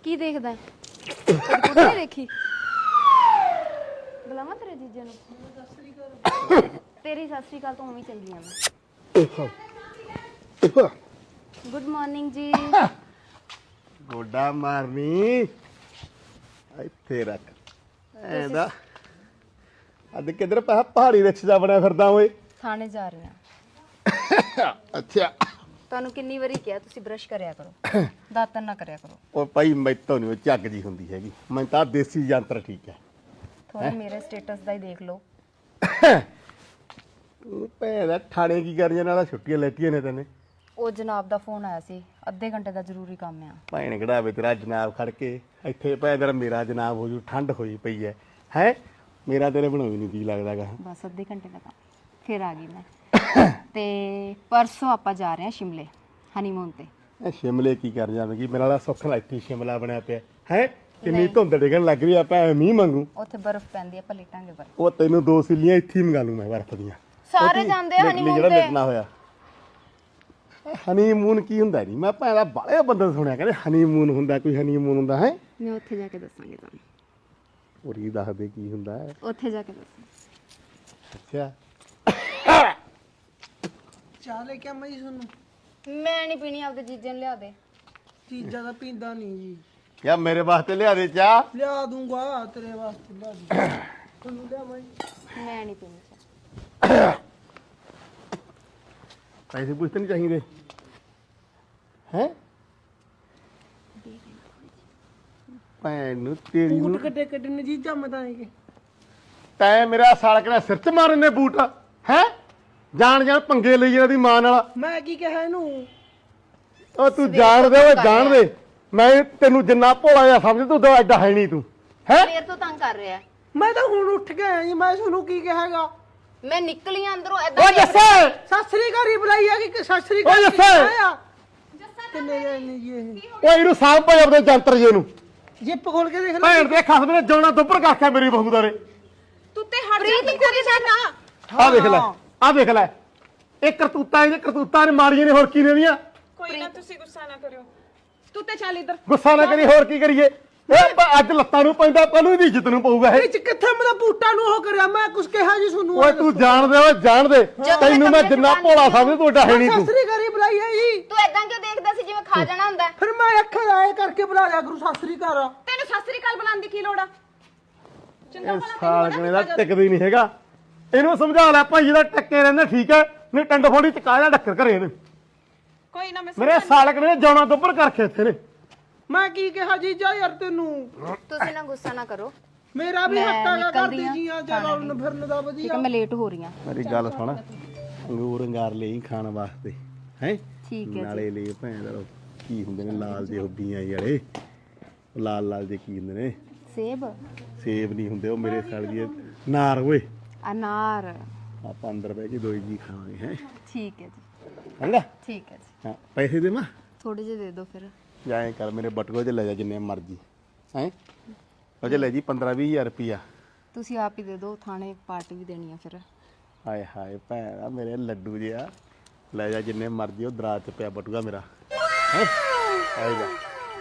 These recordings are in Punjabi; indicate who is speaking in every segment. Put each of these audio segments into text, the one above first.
Speaker 1: ਕੀ ਦੇਖਦਾ ਹੈ? ਕਦੇ ਕੁੜੀ ਨਹੀਂ ਦੇਖੀ? ਬੁਲਾਵਾਂ ਤੇਰੇ ਜੀਜੇ ਨੂੰ? ਤੇਰੀ ਸਤਿ ਸ੍ਰੀ ਅਕਾਲ ਤੋਂ ਉਵੇਂ ਚੱਲੀ ਆ ਮੈਂ। ਗੁੱਡ ਮਾਰਨਿੰਗ ਜੀ।
Speaker 2: ਗੋਡਾ ਮਾਰਨੀ ਇੱਥੇ ਰੱਖ ਐਂਦਾ। ਅੱਜ ਕਿੱਧਰ ਪਹਾੜੀ ਰਿਕਸ਼ ਦਾ ਬਣਿਆ ਫਿਰਦਾ ਓਏ?
Speaker 1: ਥਾਣੇ ਜਾ ਰਹੇ ਆ।
Speaker 2: ਅੱਛਾ
Speaker 1: ਤੁਹਾਨੂੰ ਕਿੰਨੀ ਵਾਰੀ ਕਿਹਾ ਤੁਸੀਂ ਬ੍ਰਸ਼ ਕਰਿਆ ਕਰੋ, ਦਾਤਨ ਨਾ ਕਰਿਆ ਕਰੋ।
Speaker 2: ਉਹ ਭਾਈ ਮੈਥੋਂ ਨਹੀਂ ਝੱਗ ਜੀ ਹੁੰਦੀ ਹੈਗੀ, ਮੈਂ ਤਾਂ ਦੇਸੀ ਯੰਤਰ ਠੀਕ ਹੈ।
Speaker 1: ਥੋੜਾ ਮੇਰੇ ਸਟੇਟਸ ਦਾ ਹੀ ਦੇਖ ਲਓ।
Speaker 2: ਤੂੰ ਭੈਣਾ ਥਾਣੇ ਕੀ ਕਰੀਆਂ ਨਾਲ ਛੁੱਟੀਆਂ ਲੈਤੀਆਂ ਨੇ ਤੈਨੇ?
Speaker 1: ਉਹ ਜਨਾਬ ਦਾ ਫੋਨ ਆਇਆ ਸੀ, ਅੱਧੇ ਘੰਟੇ ਦਾ ਜ਼ਰੂਰੀ ਕੰਮ ਆ।
Speaker 2: ਭੈਣ ਕਢਾਵੇ ਤੇਰਾ ਜਨਾਬ ਖੜ ਕੇ ਇੱਥੇ ਭੈਣ ਮੇਰਾ ਜਨਾਬ ਹੋ ਜੂ। ਠੰਡ ਹੋਈ ਪਈ ਹੈ ਹੈ ਮੇਰਾ ਤੇਰੇ ਬਣਾਉ ਨਹੀਂ ਕੀ ਲੱਗਦਾਗਾ।
Speaker 1: ਬਸ ਅੱਧੇ ਘੰਟੇ ਦਾ ਕੰਮ, ਫਿਰ ਆ ਗਈ ਮੈਂ। ਤੇ ਪਰਸੋਂ ਆਪਾਂ ਜਾ ਰਹੇ ਹਾਂ ਸ਼ਿਮਲੇ ਹਨੀਮੂਨ ਤੇ।
Speaker 2: ਸ਼ਿਮਲੇ ਕੀ ਕਰ ਜਾਵੇਗੀ? ਮੇਰਾ ਵਾਲਾ ਸੁੱਖ ਨਾਲ ਇੱਥੇ ਸ਼ਿਮਲਾ ਬਣਿਆ ਪਿਆ ਹੈ। ਕਿੰਨੀ ਧੁੰਦ ਡਿੱਗਣ ਲੱਗ ਰਹੀ ਆ, ਭੈਣ ਮੀਂਹ ਮੰਗੂ।
Speaker 1: ਉੱਥੇ ਬਰਫ਼ ਪੈਂਦੀ ਆ, ਆਪਾਂ ਲੇਟਾਂਗੇ ਬਰਫ਼।
Speaker 2: ਉਹ ਤੈਨੂੰ 2 ਸਿੱਲੀਆਂ ਇੱਥੇ ਹੀ ਮੰਗਾ ਲੂ ਮੈਂ ਬਰਫ਼ ਦੀਆਂ।
Speaker 1: ਸਾਰੇ ਜਾਂਦੇ ਆ ਹਨੀਮੂਨ
Speaker 2: ਜਿਹੜਾ
Speaker 1: ਤੇ।
Speaker 2: ਲਿਖਣਾ ਹੋਇਆ ਹਨੀਮੂਨ ਕੀ ਹੁੰਦਾ ਨਹੀਂ, ਮੈਂ ਭੈਣ ਦਾ ਬਾਲੇ ਬੰਦੇ ਸੁਣਿਆ ਕਹਿੰਦੇ ਹਨੀਮੂਨ ਹੁੰਦਾ, ਕੋਈ ਹਨੀਮੂਨ ਹੁੰਦਾ ਹੈ।
Speaker 1: ਮੈਂ ਉੱਥੇ ਜਾ ਕੇ ਦੱਸਾਂਗੀ ਤੁਹਾਨੂੰ।
Speaker 2: ਉਰੀ ਦੱਸਦੇ ਕੀ ਹੁੰਦਾ ਹੈ
Speaker 1: ਉੱਥੇ ਜਾ ਕੇ ਦੱਸਾਂ।
Speaker 2: ਅੱਛਾ
Speaker 3: ਚਾਹ ਲੈ ਕੇ ਆਵਾਂ ਜੀ ਤੁਹਾਨੂੰ?
Speaker 1: ਮੈਂ ਨਹੀਂ ਪੀਣੀ, ਆਪਦੇ ਜੀਜੇ ਨੂੰ ਲਿਆ ਦੇ।
Speaker 3: ਚੀਜ਼ਾਂ ਦਾ ਪੀਂਦਾ ਨਹੀਂ ਜੀ।
Speaker 2: ਯਾ ਮੇਰੇ ਵਾਸਤੇ ਲਿਆ ਦੇ ਚਾਹ।
Speaker 3: ਲਿਆ ਦੂੰਗਾ ਤੇਰੇ ਵਾਸਤੇ, ਲਿਆ ਦੂੰ ਤੁਹਾਨੂੰ। ਲਿਆਵਾਂ ਜੀ?
Speaker 1: ਮੈਂ ਨਹੀਂ ਪੀਣੀ ਚਾਹ।
Speaker 2: ਪੈਸੇ ਪੁੱਛਤੇ ਨਹੀਂ ਚਾਹੀਦੇ ਹੈ ਭੈਣ ਨੂੰ ਤੇਰੀ ਨੂੰ।
Speaker 3: ਬੂਟ ਕੱਟੇ ਕੱਟੇ ਨੇ ਜੀ ਜੰਮਦਾ ਨਹੀਂ ਕਿ
Speaker 2: ਤੈਂ ਮੇਰਾ ਸਾਲ ਕਿਹੜਾ ਸਿਰ ਚ ਮਾਰਨ ਨੇ ਬੂਟ ਹੈ? ਜਾਣ ਜਾਣ ਪੰਗੇ ਲਈ ਇਹਦੀ ਮਾਂ ਨਾਲ।
Speaker 3: ਮੈਂ ਕੀ ਕਿਹਾ ਇਹਨੂੰ?
Speaker 2: ਉਹ ਤੂੰ ਜਾਣ ਦੇ, ਓਏ ਜਾਣ ਦੇ। ਮੈਂ ਤੈਨੂੰ ਜਿੰਨਾ ਭੋਲਾ ਜਿਹਾ ਸਮਝ ਤੂੰ ਤਾਂ ਐਡਾ ਹੈ ਨਹੀਂ ਤੂੰ ਹੈ।
Speaker 1: ਫੇਰ ਤੋਂ ਤੰਗ ਕਰ ਰਿਹਾ।
Speaker 3: ਮੈਂ ਤਾਂ ਹੁਣ ਉੱਠ ਕੇ ਆਇਆ ਜੀ, ਮੈਂ ਤੁਹਾਨੂੰ ਕੀ ਕਹਾਂਗਾ?
Speaker 1: ਮੈਂ ਨਿਕਲੀ ਆਂ ਅੰਦਰੋਂ
Speaker 2: ਓ
Speaker 1: ਐਦਾਂ।
Speaker 2: ਜੱਸੇ
Speaker 3: ਸਤਿ ਸ੍ਰੀ ਅਕਾਲ ਹੀ ਬੁਲਾਈ ਆ ਕਿ ਸਤਿ ਸ੍ਰੀ
Speaker 2: ਓ
Speaker 3: ਅਕਾਲ
Speaker 2: ਜੱਸੇ
Speaker 3: ਕਿੰਨੇ ਜਾਣੇ ਜੀ ਇਹ?
Speaker 2: ਓਏ ਇਹਨੂੰ ਸਾਂਭ ਭਾਈ ਆਪਣੇ ਜੰਤਰ ਜੇ ਨੂੰ।
Speaker 3: ਜਿੱਪ ਖੋਲ ਕੇ ਦੇਖ ਲੈ।
Speaker 2: ਭੈਣ ਦੇ ਖਸਮ ਨੇ ਜਾਣਾ ਦੁੱਪਰ ਕਾਖਿਆ ਮੇਰੀ ਬਹੂ ਦਾ ਨੇ।
Speaker 1: ਤੂੰ ਤੇ ਹਟ ਜਾ, ਤੂੰ ਕਰੀ ਜਾਣਾ।
Speaker 2: ਆਹ ਦੇਖ ਲੈ, ਆਹ ਦੇਖ ਲੈ। ਇਹ ਕਰਤੂਤਾਂ ਨੇ ਮਾਰੀਆਂ ਨੇ, ਹੋਰ ਕੀ ਨੇ ਦੀਆਂ?
Speaker 4: ਕੋਈ ਨਾ ਤੁਸੀਂ ਗੁੱਸਾ ਨਾ ਕਰਿਓ। ਤੂੰ ਤੇ ਚੱਲ ਇੱਧਰ।
Speaker 2: ਗੁੱਸਾ ਨਾ ਕਰੀ, ਹੋਰ ਕੀ ਕਰੀਏ? ਅੱਜ ਲੱਤਾਂ ਨੂੰ ਪੈਂਦਾ, ਕੱਲ ਨੂੰ ਇਹਦੀ ਇੱਜ਼ਤ ਨੂੰ ਪਊਗਾ ਇਹ।
Speaker 3: ਵਿੱਚ ਕਿੱਥੇ ਮੇਰਾ ਬੂਟਾਂ ਨੂੰ ਉਹ ਕਰਿਆ? ਮੈਂ ਕੁਛ ਕਿਹਾ ਜੀ ਤੁਹਾਨੂੰ?
Speaker 2: ਓਏ ਤੂੰ ਜਾਣਦੇ, ਓਏ ਜਾਣਦੇ। ਤੈਨੂੰ ਮੈਂ ਜਿੰਨਾ ਭੋਲਾ ਸਮਝ ਤੂੰ ਐਡਾ ਹੈ ਨਹੀਂ
Speaker 3: ਸਤਿ
Speaker 2: ਤੂੰ।
Speaker 3: ਸ੍ਰੀ ਅਕਾਲ ਹੀ ਬੁਲਾਈ ਆ ਜੀ।
Speaker 1: ਤੂੰ ਐਦਾਂ ਕਿਉਂ ਦੇਖਦਾ ਸੀ ਜਿਵੇਂ ਖਾ ਜਾਣਾ ਹੁੰਦਾ?
Speaker 3: ਫਿਰ ਮੈਂ ਅੱਖਾਂ ਆਏ ਕਰਕੇ ਬੁਲਾ ਲਿਆ ਗੁਰੂ ਸਤਿ ਸ੍ਰੀ ਅਕਾਲ।
Speaker 4: ਤੈਨੂੰ ਸਤਿ ਸ੍ਰੀ ਅਕਾਲ ਬੁਲਾਉਣ ਦੀ ਕੀ ਲੋੜ ਆ? ਚੰਗਾ
Speaker 2: ਇਹ
Speaker 4: ਭਲਾ
Speaker 2: ਸਾਲਕਣੇ ਦਾ ਟਿਕਦੀ ਨਹੀਂ ਹੈਗਾ। ਇਹਨੂੰ ਸਮਝਾ ਲੈ ਭਾਈ, ਇਹਦਾ ਟੱਕੇ ਰਹਿੰਦੇ ਠੀਕ ਹੈ, ਨਹੀਂ ਟੰਡ ਫੋੜੀ ਚਕਾ ਜਾ ਡੱਕਰ ਘਰੇ ਇਹਨੇ।
Speaker 4: ਕੋਈ ਨਾ ਮੈਂ
Speaker 2: ਮੇਰੇ ਸਾਲਕਣੇ ਨੇ ਜਾਣਾ ਦੁੱਪਰ ਕਰਕੇ ਇੱਥੇ ਨੇ।
Speaker 3: ਮੈਂ ਕੀ ਕਿਹਾ ਜੀ ਜਾ ਯਾਰ ਤੈਨੂੰ?
Speaker 1: ਤੁਸੀਂ ਨਾ ਗੁੱਸਾ ਨਾ ਕਰੋ।
Speaker 3: ਮੇਰਾ ਵੀ
Speaker 1: ਮੈਂ
Speaker 3: ਹੱਕ ਹੈਗਾ
Speaker 1: ਨਿਕਲਦੀ
Speaker 3: ਕਰਦੀ
Speaker 1: ਆਂ
Speaker 3: ਜੀ ਆ ਚੱਲਣ ਫਿਰਨ ਦਾ
Speaker 1: ਠੀਕ
Speaker 3: ਵਧੀਆ।
Speaker 1: ਹੈ, ਮੈਂ ਲੇਟ ਹੋ ਰਹੀ ਹਾਂ।
Speaker 2: ਮੇਰੀ ਗੱਲ ਸੁਣ, ਅੰਗੂਰ ਅੰਗਾਰ ਲਈ ਖਾਣ ਵਾਸਤੇ ਹੈ।
Speaker 1: ਠੀਕ ਹੈ
Speaker 2: ਨਾਲੇ ਲਈ ਭੈਣ ਦਾ ਕੀ ਹੁੰਦੇ ਨੇ ਲਾਲ ਜਿਹੇ ਹੁੱਬੀਆਂ ਜਿਹੜੇ, ਲਾਲ ਲਾਲ ਜਿਹੇ ਕੀ ਹੁੰਦੇ ਨੇ?
Speaker 1: ਸੇਬ
Speaker 2: ਸੇਬ ਨਹੀਂ ਹੁੰਦੇ ਉਹ ਮੇਰੇ ਸਾਲ ਦੀ ਨਾਰ ਓਏ।
Speaker 1: ਅਨਾਰ।
Speaker 2: ਆਪਾਂ ਅੰਦਰ ਬਹਿ ਕੇ ਦੋਈ ਜੀ ਖਾਵਾਂਗੇ ਹੈ।
Speaker 1: ਠੀਕ ਹੈ ਜੀ,
Speaker 2: ਚੰਗਾ
Speaker 1: ਠੀਕ ਹੈ ਜੀ।
Speaker 2: ਹਾਂ ਪੈਸੇ ਦੇ ਮੈਂ
Speaker 1: ਥੋੜੇ ਜਿਹੇ ਦੇ ਦਿਓ ਫਿਰ।
Speaker 2: ਜਾਏ ਕਰ ਮੇਰੇ ਬਟੂਏ 'ਚ ਲੈ ਜਾ ਜਿੰਨੇ ਮਰਜੀ ਹੈ। ਉਹ 'ਚ ਲੈ ਜੀ 15-20 ਰੁਪਿਆ।
Speaker 1: ਤੁਸੀਂ ਆਪ ਹੀ ਦੇ ਦਿਓ, ਥਾਣੇ ਪਾਰਟੀ ਵੀ ਦੇਣੀ ਆ ਫਿਰ।
Speaker 2: ਹਾਏ ਹਾਏ ਭੈਣਾ ਮੇਰੇ ਲੱਡੂ ਜਿਹਾ, ਲੈ ਜਾ ਜਿੰਨੇ ਮਰਜੀ। ਉਹ ਦਰਾਜ 'ਚ ਪਿਆ ਬਟੂਆ ਮੇਰਾ ਹੈ। ਆਏ ਜਾ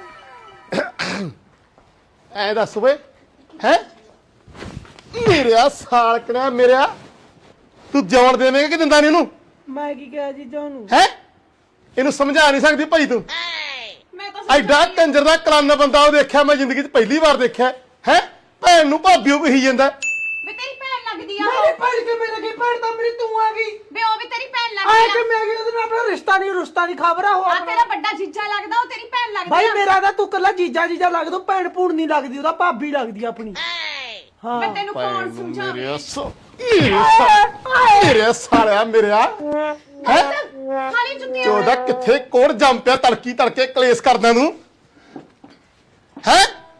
Speaker 2: ਐ ਦੱਸ ਵੇ ਹੈ ਮੇਰਿਆ ਸਾਲਕਣਾ ਮੇਰਿਆ, ਤੂੰ ਜਾਣ ਦੇਵੇਂਗਾ ਕਿ ਦਿੰਦਾ ਨਹੀਂ ਇਹਨੂੰ?
Speaker 3: ਮੈਂ ਕੀ ਕਿਹਾ ਜੀ ਤੁਹਾਨੂੰ?
Speaker 2: ਹੈ ਇਹਨੂੰ ਸਮਝਾ ਨਹੀਂ ਸਕਦੀ ਭਾਈ ਤੂੰ?
Speaker 4: ਮੈਂ ਤਾਂ
Speaker 2: ਐਡਾ ਕੰਜਰ ਦਾ ਕਲੰਨ ਬੰਦਾ ਉਹ ਦੇਖਿਆ ਮੈਂ ਜ਼ਿੰਦਗੀ 'ਚ ਪਹਿਲੀ ਵਾਰ ਦੇਖਿਆ ਹੈ। ਭੈਣ ਨੂੰ ਭਾਬੀ ਉਹ ਕਹੀ ਜਾਂਦਾ।
Speaker 4: ਵੀ ਤੇਰੀ ਭੈਣ ਲੱਗਦੀ ਆ
Speaker 3: ਮੇਰੇ ਭੈਣ ਕੇ ਮੇਰੇ ਕੀ ਭੈਣ ਤਾਂ ਮੇਰੀ ਤੂੰ ਆ ਗਈ।
Speaker 4: ਵੀ ਉਹ ਵੀ ਤੇਰੀ ਭੈਣ
Speaker 3: ਆਏ
Speaker 4: ਲੱਗਦੀ
Speaker 3: ਕਿ
Speaker 4: ਆ।
Speaker 3: ਮੈਂ ਉਹਦੇ ਨਾਲ ਆਪਣਾ ਰਿਸ਼ਤਾ ਨਹੀਂ ਖਬਰਾ ਹੋ
Speaker 4: ਆ ਤੇਰਾ ਵੱਡਾ ਜੀਜਾ ਲੱਗਦਾ, ਉਹ ਤੇਰੀ ਭੈਣ ਲੱਗਦੀ
Speaker 3: ਭਾਈ
Speaker 4: ਆ।
Speaker 3: ਮੇਰਾ ਤਾਂ ਤੂੰ ਕੱਲਾ ਜੀਜਾ ਲੱਗਦਾ, ਭੈਣ ਭੂਣ ਨਹੀਂ ਲੱਗਦੀ, ਉਹਦਾ ਭਾਬੀ ਲੱਗਦੀ ਆਪਣੀ। ਹਾਂ
Speaker 4: ਮੈਂ ਤੈਨੂੰ ਕੌਣ ਸਮਝਾਵੇ?
Speaker 2: ਮੇਰੇ ਸਾਲਿਆ ਮੇਰਿਆ ਹੈ
Speaker 4: ਖਾਲੀ ਜੁੱਤੀਆਂ।
Speaker 2: ਚੋਦਾ ਕਿੱਥੇ ਕੋੜ ਜੰਮ ਪਿਆ ਤੜਕੀ ਤੜਕੇ ਕਲੇਸ਼ ਕਰਦਾ ਤੂੰ ਹੈ।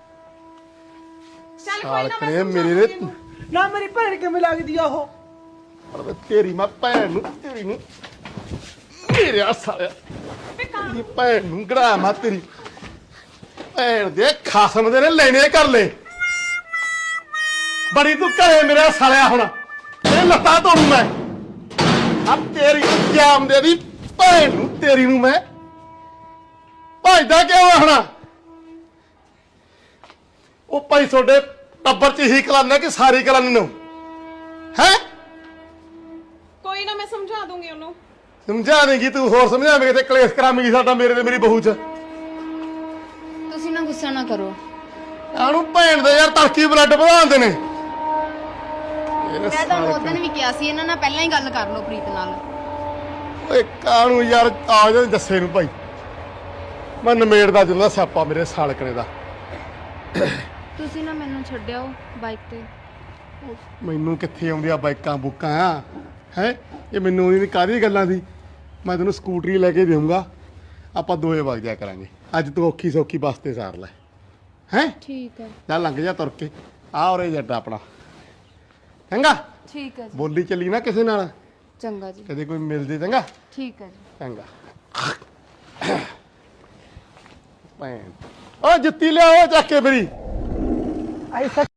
Speaker 4: ਚੱਲ ਕੋਈ ਨਾ
Speaker 2: ਸਾਲਕਣੇ
Speaker 4: ਮੈਂ
Speaker 2: ਮੇਰੇ
Speaker 4: ਸਮਝਾਉਂਦੀ ਇਹਨੂੰ।
Speaker 3: ਨਾ ਮੇਰੀ ਭੈਣ ਕਿਵੇਂ ਲੱਗਦੀ ਆ ਉਹ?
Speaker 2: ਨੇ ਤੇਰੀ ਮੈਂ ਭੈਣ ਨੂੰ ਤੇਰੀ ਨੂੰ ਮੇਰੇ ਸਾਲਿਆ ਤੇਰੀ ਭੈਣ ਨੂੰ ਗੜਾ ਮੈਂ ਤੇਰੀ ਭੈਣ ਦੇ ਖਸਮ ਦੇ ਨੇ ਲੈਣੇ ਕਰ ਲੈ। ਬੜੀ ਤੂੰ ਘਰੇ ਮੇਰਾ ਸਾਲਿਆ ਹੁਣ ਇਹ ਲੱਤਾਂ ਤੋੜੂ ਮੈਂ। ਆ ਤੇਰੀ ਜਾਮ ਦੇ ਦੀ ਭੈਣ ਨੂੰ ਤੇਰੀ ਨੂੰ ਮੈਂ ਭਜਦਾ ਕਿਉਂ ਆ ਹੁਣ? ਉਹ ਭਾਈ ਤੁਹਾਡੇ ਟੱਬਰ ਚ ਹੀ ਕਲਾਨੇ ਕਿ ਸਾਰੀ ਕਲਾਨੀ ਨੂੰ ਹੈ?
Speaker 4: ਕੋਈ ਨਾ ਮੈਂ ਸਮਝਾ ਦੂੰਗੀ ਉਹਨੂੰ।
Speaker 2: ਸਮਝਾ ਦੇਂਗੀ ਤੂੰ, ਹੋਰ ਸਮਝਾਵੇਂਗੇ ਤੇ ਕਲੇਸ਼ ਕਰਾਵੇਂਗੀ ਸਾਡਾ ਮੇਰੇ ਤੇ ਮੇਰੀ ਬਹੂ ਚ।
Speaker 1: ਤੁਸੀਂ ਨਾ ਗੁੱਸਾ ਨਾ ਕਰੋ।
Speaker 2: ਆਨੂੰ ਭੈਣ ਦੇ ਯਾਰ ਤੜਕੀ ਬਲੱਡ ਵਧਾਉਂਦੇ ਨੇ।
Speaker 1: ਮੈਂ ਤੁਹਾਨੂੰ ਉਸ ਦਿਨ ਵੀ ਕਿਹਾ ਸੀ ਇਹਨਾਂ ਨਾਲ ਪਹਿਲਾਂ ਹੀ ਗੱਲ ਕਰ ਲਓ ਪ੍ਰੀਤ ਨਾਲ।
Speaker 2: ਓਏ ਕਾਹਨੂੰ ਯਾਰ ਆ ਜਾ ਦੱਸੇ ਨੂੰ ਭਾਈ, ਮੈਂ ਨਮੇੜਦਾ ਜਦੋਂ ਸਿਆਪਾ ਮੇਰੇ ਸਾਲਕਣੇ ਦਾ।
Speaker 1: ਤੁਸੀਂ ਨਾ ਮੈਨੂੰ ਛੱਡਿਓ ਬਾਈਕ ਤੇ।
Speaker 2: ਮੈਨੂੰ ਕਿੱਥੇ ਆਉਂਦੀਆਂ ਬਾਈਕਾਂ ਬੁੱਕਾਂ ਆ ਹੈ? ਇਹ ਮੈਨੂੰ ਉਹਦੀ ਕਾਹਦੀ ਗੱਲਾਂ ਦੀ। ਮੈਂ ਤੈਨੂੰ ਸਕੂਟਰੀ ਲੈ ਕੇ ਦੇਵਾਂਗਾ, ਆਪਾਂ ਦੋਏ ਵਗ ਜਾ ਕਰਾਂਗੇ। ਅੱਜ ਤੂੰ ਔਖੀ ਸੌਖੀ ਬੱਸ ਤੇ ਸਾਰ ਲੈ ਹੈ।
Speaker 1: ਠੀਕ ਹੈ।
Speaker 2: ਚੱਲ ਲੰਘ ਜਾ ਤੁਰ ਕੇ। ਆ ਉਰੇ ਜੱਟਾ ਆਪਣਾ, ਚੰਗਾ?
Speaker 1: ਠੀਕ ਹੈ ਜੀ।
Speaker 2: ਬੋਲੀ ਚੱਲੀ ਨਾ ਕਿਸੇ ਨਾਲ,
Speaker 1: ਚੰਗਾ ਜੀ।
Speaker 2: ਕਦੇ ਕੋਈ ਮਿਲ ਜੇ। ਚੰਗਾ?
Speaker 1: ਠੀਕ ਹੈ ਜੀ।
Speaker 2: ਚੰਗਾ। ਭੈਣ ਓ ਜੁੱਤੀ ਲਿਆਓ ਚੱਕ ਕੇ ਮੇਰੀ।
Speaker 3: ਐਸਾ